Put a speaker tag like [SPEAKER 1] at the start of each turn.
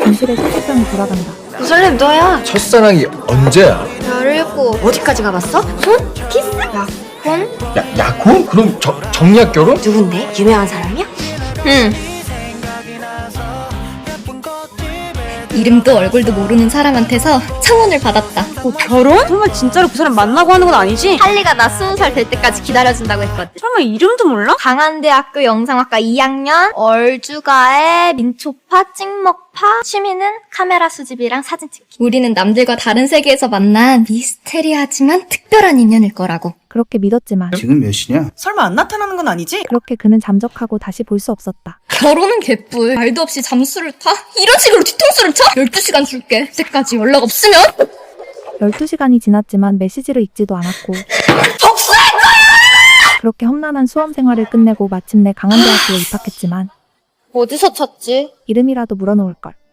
[SPEAKER 1] 진실의 소지병이 돌아간다.
[SPEAKER 2] 그 설렘 너야.
[SPEAKER 3] 첫사랑이 언제야?
[SPEAKER 2] 17 어디까지 가봤어? 손? 키스? 약혼?
[SPEAKER 3] 약혼? 그럼 정략 결혼?
[SPEAKER 2] 누군데? 유명한 사람이야? 응.
[SPEAKER 4] 이름도 얼굴도 모르는 사람한테서 청혼을 받았다.
[SPEAKER 5] 결혼? 설마 진짜로 그 사람 만나고 하는 건 아니지?
[SPEAKER 4] 할리가 나 20살 될 때까지 기다려준다고 했거든.
[SPEAKER 5] 설마 이름도 몰라?
[SPEAKER 4] 강한대학교 영상학과 2학년, 얼주가의 민초파, 찍먹파, 취미는 카메라 수집이랑 사진 찍기. 우리는 남들과 다른 세계에서 만난 미스테리하지만 특별한 인연일 거라고.
[SPEAKER 1] 그렇게 믿었지만
[SPEAKER 6] 지금 몇 시냐?
[SPEAKER 7] 설마 안 나타나는 건 아니지?
[SPEAKER 1] 그렇게 그는 잠적하고 다시 볼 수 없었다.
[SPEAKER 4] 결혼은 개뿔. 말도 없이 잠수를 타? 이런 식으로 뒤통수를 쳐? 12시간 줄게. 그때까지 연락 없으면?
[SPEAKER 1] 12시간이 지났지만 메시지를 읽지도 않았고 복수할 거야! 그렇게 험난한 수험 생활을 끝내고 마침내 강한대학교에 입학했지만
[SPEAKER 4] 어디서 찾지?
[SPEAKER 1] 이름이라도 물어놓을 걸.